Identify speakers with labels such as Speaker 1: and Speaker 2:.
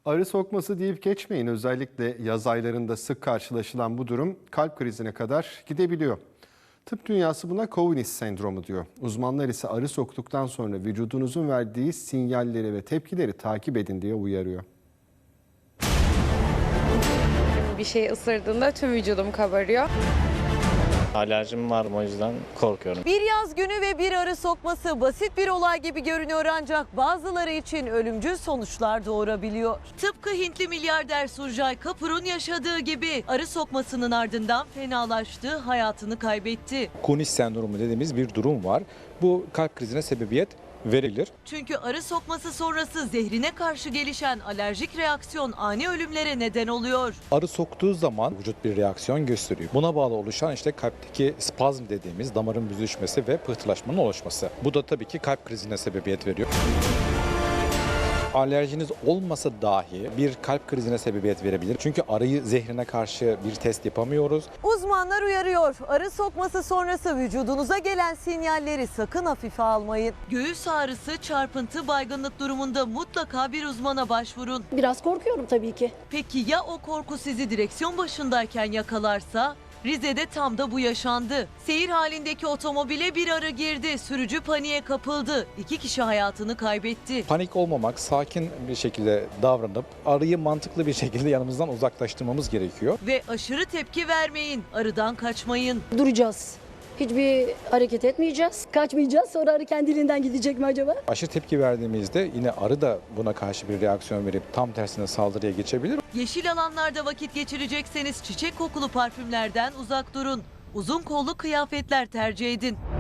Speaker 1: Arı sokması deyip geçmeyin. Özellikle yaz aylarında sık karşılaşılan bu durum kalp krizine kadar gidebiliyor. Tıp dünyası buna Cowinis sendromu diyor. Uzmanlar ise arı soktuktan sonra vücudunuzun verdiği sinyalleri ve tepkileri takip edin diye uyarıyor.
Speaker 2: Bir şey ısırdığında tüm vücudum kabarıyor.
Speaker 3: Alerjim var, o yüzden korkuyorum.
Speaker 4: Bir yaz günü ve bir arı sokması basit bir olay gibi görünüyor ancak bazıları için ölümcül sonuçlar doğurabiliyor. Tıpkı Hintli milyarder Surjay Kapur'un yaşadığı gibi arı sokmasının ardından fenalaştı, hayatını kaybetti.
Speaker 5: Cowinis sendromu dediğimiz bir durum var. Bu kalp krizine sebebiyet verebilir.
Speaker 4: Çünkü arı sokması sonrası zehrine karşı gelişen alerjik reaksiyon ani ölümlere neden oluyor.
Speaker 5: Arı soktuğu zaman vücut bir reaksiyon gösteriyor. Buna bağlı oluşan işte kalpteki spazm dediğimiz damarın büzüşmesi ve pıhtılaşmanın oluşması. Bu da tabii ki kalp krizine sebebiyet veriyor. Alerjiniz olmasa dahi bir kalp krizine sebebiyet verebilir. Çünkü arıyı zehrine karşı bir test yapamıyoruz.
Speaker 4: Uzmanlar uyarıyor. Arı sokması sonrası vücudunuza gelen sinyalleri sakın hafife almayın. Göğüs ağrısı, çarpıntı, baygınlık durumunda mutlaka bir uzmana başvurun.
Speaker 6: Biraz korkuyorum tabii ki.
Speaker 4: Peki ya o korku sizi direksiyon başındayken yakalarsa? Rize'de tam da bu yaşandı. Seyir halindeki otomobile bir arı girdi. Sürücü paniğe kapıldı. 2 kişi hayatını kaybetti.
Speaker 5: Panik olmamak, sakin bir şekilde davranıp arıyı mantıklı bir şekilde yanımızdan uzaklaştırmamız gerekiyor.
Speaker 4: Ve aşırı tepki vermeyin. Arıdan kaçmayın.
Speaker 6: Duracağız. Hiçbir hareket etmeyeceğiz. Kaçmayacağız. Sonra arı kendiliğinden gidecek mi acaba?
Speaker 5: Aşırı tepki verdiğimizde yine arı da buna karşı bir reaksiyon verip tam tersine saldırıya geçebilir.
Speaker 4: Yeşil alanlarda vakit geçirecekseniz çiçek kokulu parfümlerden uzak durun. Uzun kollu kıyafetler tercih edin.